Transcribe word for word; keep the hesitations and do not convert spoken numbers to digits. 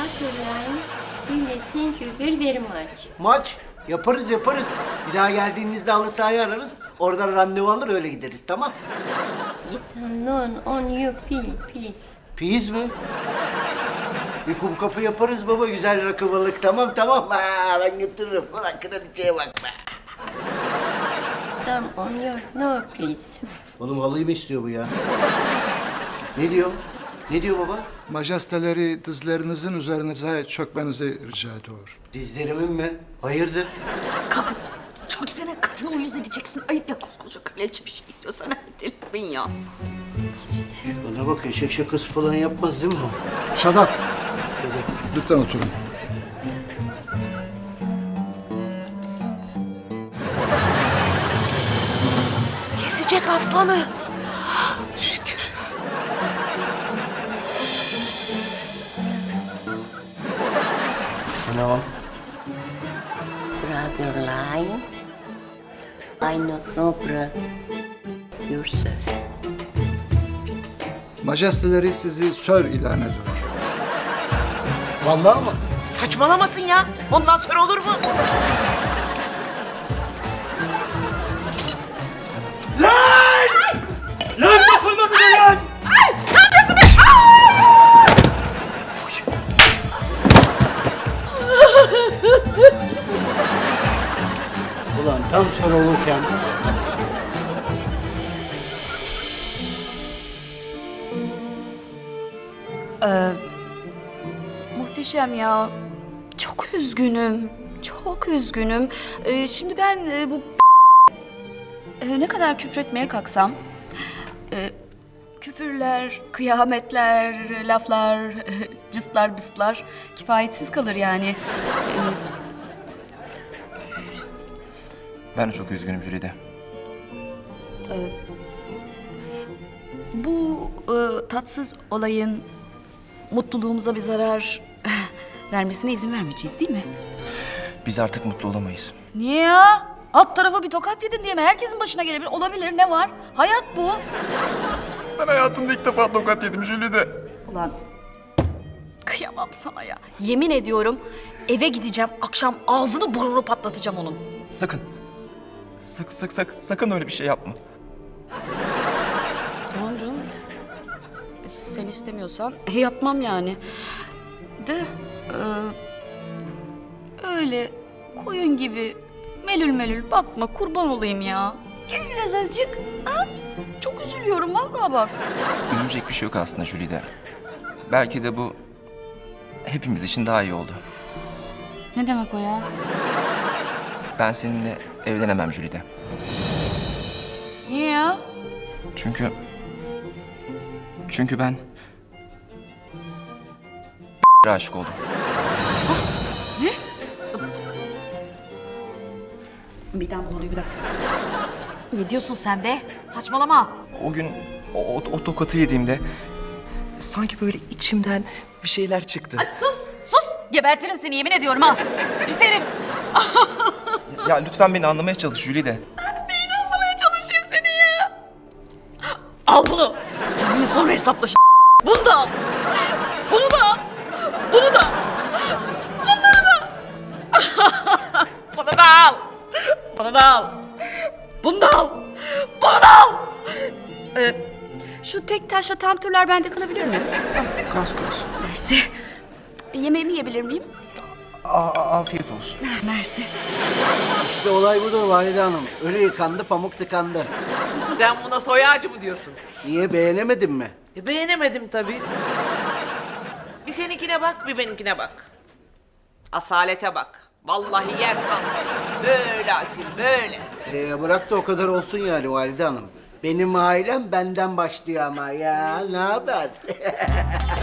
Caroline, really thank you very very much. Maç yaparız yaparız. Bir daha geldiğinizde halı sahayı ararız. Oradan randevu alır öyle gideriz, tamam? It unknown on you pill, please. Piyiz mi? Bir kum kapı yaparız baba, güzel rakı balık, tamam tamam. Ha, ben götürürüm. Ulan kraliçeye bak be. Come on your no please. Oğlum halıyı mı istiyor bu ya? Ne diyor? Ne diyor baba? Majesteleri dizlerinizin üzerinize çökmenizi rica ediyor. Dizlerimin mi? Hayırdır? Kalkın. Çok sene kadını uyuz edeceksin. Ayıp ya, koskoca kraliçe bir şey istiyorsan hadi delirtmeyin ya. Bana bak, eşek şakası falan yapmaz değil mi o? Shut up. Lütfen oturun. Kesecek aslanı. Şükür. Ne o? Brother line. I not know bro. Yourself. Majesteleri sizi sir ilan ediyor. Vallahi mı? Saçmalamasın ya. Ondan sonra olur mu? Lan dokunmadı da lan! Ulan tam sonra olurken... Muhteşem ya. Çok üzgünüm. Çok üzgünüm. Ee, şimdi ben e, bu e, ne kadar küfretmeye kalksam e, küfürler, kıyametler, laflar, cıslar bıstlar kifayetsiz kalır yani. E, Ben de çok üzgünüm Jülide. bu e, tatsız olayın mutluluğumuza bir zarar vermesine izin vermeyeceğiz değil mi? Biz artık mutlu olamayız. Niye ya? Alt tarafa bir tokat yedin diye mi? Herkesin başına gelebilir. Olabilir, ne var? Hayat bu. Ben hayatımda ilk defa tokat yedim Jülide. Ulan kıyamam sana ya. Yemin ediyorum eve gideceğim. Akşam ağzını burnunu patlatacağım onun. Sakın. Sak, sak, sak, sakın öyle bir şey yapma. Tamam canım. E, Sen istemiyorsan e, yapmam yani. De e, öyle koyun gibi melül melül bakma, kurban olayım ya. Gel biraz azıcık. Ha? Çok üzülüyorum vallahi bak. Üzülecek bir şey yok aslında Jülide. Belki de bu hepimiz için daha iyi oldu. Ne demek o ya? Ben seninle evlenemem Jülide. Niye ya? Çünkü... Çünkü ben... aşık oldum. Bir daha oluyor bir dakika. Ne diyorsun sen be? Saçmalama. O gün o, o, o tokatı yediğimde... sanki böyle içimden bir şeyler çıktı. Ay sus, sus. Gebertirim seni yemin ediyorum ha. Pis herif. Ya lütfen beni anlamaya çalış Jülide. Neyini anlamaya çalışayım seni ya? Al bunu. Seninle sonra hesaplaş. Bunu da al. Bunu da al. Bunu da. Bunları da. Bunu da al. Bunu da al. Bunu da al. Bunu da al. Ee, şu tek taşla tam turlar bende kalabilir mi? Kas kas. Mersi. Yemeğimi yiyebilir miyim? A- afiyet olsun. Mersi. İşte olay budur Valide Hanım. Ölü yıkandı, pamuk tıkandı. Sen buna soy ağacı mı diyorsun? Niye, beğenemedin mi? E, beğenemedim tabii. Bir seninkine bak, bir benimkine bak. Asalete bak. Vallahi yer kalmadı. Böyle asil, böyle. Ee, bırak da o kadar olsun yani Valide Hanım. Benim ailem benden başlıyor ama ya, ne haber?